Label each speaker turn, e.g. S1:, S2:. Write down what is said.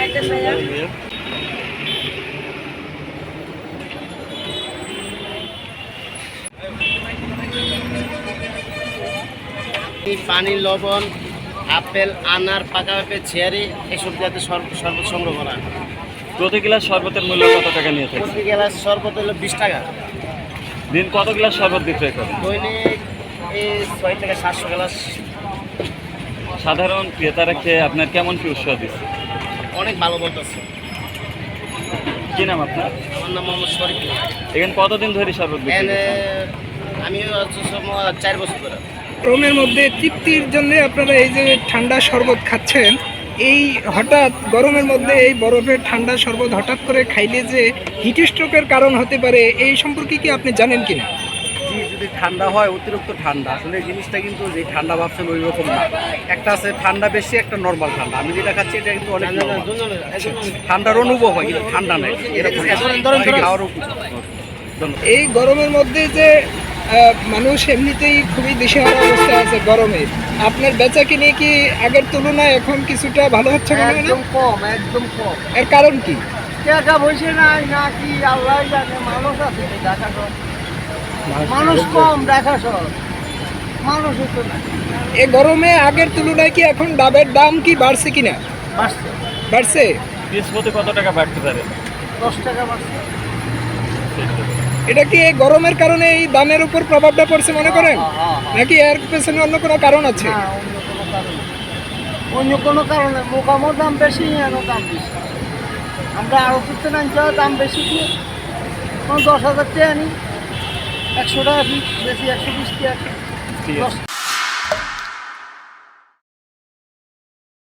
S1: পানি, লবণ, আপেল, আনার, পাকা পেঁপে, চেয়ারি এসব জাতীয় শরবত সংগ্রহ করা।
S2: প্রতি গ্লাস শরবতের মূল্য কত টাকা নিয়ে থাকে?
S1: প্রতি গ্লাস শরবত হলো 20 টাকা।
S2: দিন কত গ্লাস শরবত বিক্রয় করেন?
S1: দৈনিক এই 6 থেকে 700 গ্লাস।
S2: সাধারণ ক্রেতারা খেয়ে আপনার কেমন কি উৎসাহ দিচ্ছে?
S1: অনেক ভালো বলতেছে।
S2: কি নাম আপনার?
S1: আমার নাম মোহাম্মদ শরীফ।
S2: এখানে কতদিন ধরে শরবত বিক্রি
S1: এখানে
S2: করছেন?
S1: আমি 4 বছর ধরে।
S3: গরমের মধ্যে তৃপ্তির জন্য আপনারা এই যে ঠান্ডা শরবত খাচ্ছেন, এই হঠাৎ গরমের মধ্যে এই বরফের ঠান্ডা শরবত হঠাৎ করে খাইলে যে হিট স্ট্রোকের কারণ হতে পারে, এই সম্পর্কে কি আপনি জানেন কিনা?
S4: জি, যদি ঠান্ডা হয়, অতিরিক্ত ঠান্ডা, আসলে এই জিনিসটা কিন্তু যে ঠান্ডা ভাবছেন ওই রকম না। একটা আছে ঠান্ডা বেশি, একটা নর্মাল ঠান্ডা। আমি যেটা খাচ্ছি এটা কিন্তু অনেক normal। ঠান্ডার অনুভব হয় কিন্তু ঠান্ডা নেই, এরকম খাওয়ার
S3: এই গরমের মধ্যে যে মানুষ এমনিতেই খুবই দিশেহারা অবস্থায় আছে গরমে, আপনার বেচা কিনে কি আগের তুলনায় এখন কিছুটা ভালো হচ্ছে মনে হয় না?
S4: কম, একদম কম।
S3: এর কারণ কি?
S4: টাকা পয়সা নাই না কি আল্লাহ জানে। মানুষ আছে ঢাকা শহর, মানুষ কম ঢাকা শহর, মানুষ হতো না।
S3: এই গরমে আগের তুলনায় কি এখন ডাবের দাম কি বাড়ছে কিনা?
S4: বাড়ছে,
S3: বাড়ছে।
S2: পিস প্রতি কত টাকা বাড়তে পারে?
S4: 10 টাকা বাড়ছে।
S3: এটা কি এই গরমের কারণে এই দামের উপর প্রভাবটা পড়ছে মনে করেন, নাকি এর পেছনে অন্য কোনো কারণ আছে?
S4: না, অন্য কোনো কারণে মোকামোর দাম বেশি, এর দাম বেশি। আমরা আরো করতে না দাম বেশি দিয়ে 10,000 টাকা আনি, 100 টাকা পিস, বেশি 120 টাকা।
S2: ঠিক আছে।